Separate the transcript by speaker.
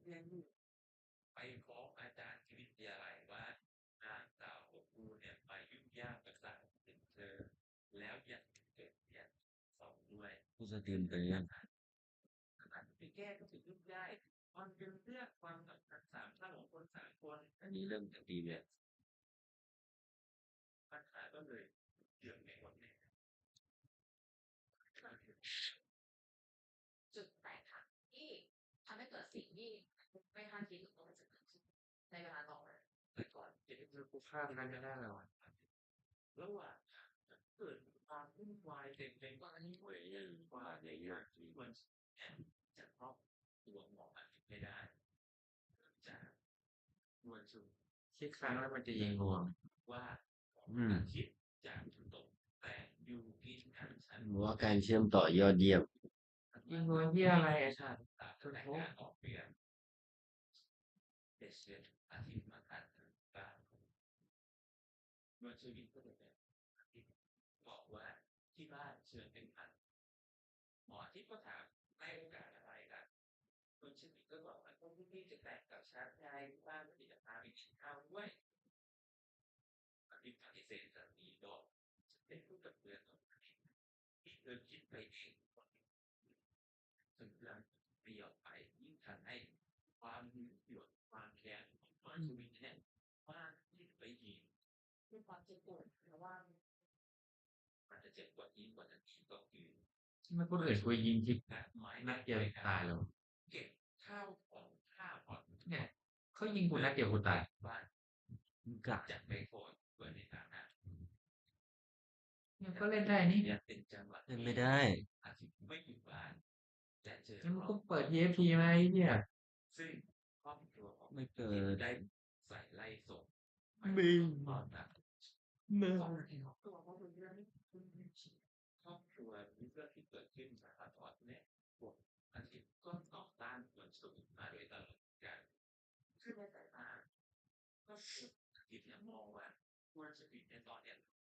Speaker 1: ไปฟ้องอาจารย์ที่วิทยาลัยว่านางสาวของครูเนี่ยไปยุ่งยากกับสารถึงเธอแล้วยังเกิดเรียนสองด้วยผู้สะเทือนไปยังขนาดไปแก้ก็ถึงยุ่งยากมันเป็นเรื่องความสัมพันธ์สามท่านของคนสามคนอันนี้เรื่องจากดีเนี่ยปัญหาก็เลยเกิดในคนเนี่ย
Speaker 2: จุดแตกหักที่ทำให้เกิดสิ่งที่ไม่คาดคิดว่ามันจะเกิดขึ้นในเวลาต่อมา
Speaker 1: แต่ก่อนจะได้เจอกูฆ่ากันไม่ได้หรอกระหว่างเกิดความวุ่นวายเต็มไปหมดเว้ยว่าในอย่างที่มันจะครอบตัวหมอไม่ได้จะมวลชน
Speaker 3: คิดครั้งแล้วมันจะยิงรวม
Speaker 1: ว่าคิดจากตกแต่อยู่ที่ชั้นชั้น
Speaker 4: ว่าการเชื่อมต่อยอดเยี่ยม
Speaker 3: ยิงรวมที่อะไรไอ้สัตว์
Speaker 1: ก็แต่งงานออกเปลี่ยนเด็กเสียอาทิตย์มาทันบ้านเมื่อชีวิตก็เลยบอกว่าที่บ้านเชิญเป็นพันหมอที่ก็ถามให้โอกาสอะไรล่ะคุณชีวิตก็บอกว่าต้องพี่จะแต่งกับชาติยายบ้านไม่ได้พาไปกินข้าวด้วยอภิปฏิเสธสามีบอกจะเป็นผู้กับเพื่อนของที่เธอคิดไปเองจนเรื่องเปลี่ยนไปยิ่งทำให้ความหึงหวงความแค้นของชีวิตเนี่ยมากที่ไปยิง
Speaker 2: คือความเจ็บปวดเพราะว่า
Speaker 1: มันจะเจ็บกว่ายิ่งกว่านั้นอีกก็คือ
Speaker 3: ไม่คนอื่นกูยิงที่นัดเดียวตายแล้ว
Speaker 1: เก็บข้าวของข้าวผ่อน
Speaker 3: เนี่ยเขายิงกูนัดเดียวกูตาย
Speaker 1: บ้าน
Speaker 4: กะ
Speaker 1: จะไปโฟนเพื่อในฐานะ
Speaker 3: เนี่ยก็เล่นได้นี่
Speaker 1: เนี่ยเป็นจังหวะ
Speaker 4: เล่นไม่ได้
Speaker 1: อาทิตย์ไม่อยู่บ้านและเจอ
Speaker 3: งั้นมึงก็เปิด TFT มาไอ้เนี่ย
Speaker 1: ซึ่งครอบครัวของ
Speaker 4: ไม่เปิด
Speaker 1: ได้ใส่ไล่ส่ง
Speaker 4: มึง
Speaker 1: ตอนนั้น
Speaker 4: มึง
Speaker 2: ตัวเขาเป็นเรื่องที่คุณ
Speaker 1: ครอบครัวนี้เรื่องที่เกิดขึ้นจากตอนเนี่ยพวกอาทิตย์ก็ต่อต้านเหมือนสุดมาโดยตลอดการคือในสายตาก็อาทิตย์เนี่ยมองว่าควรจะปิดในตอนเนี่ย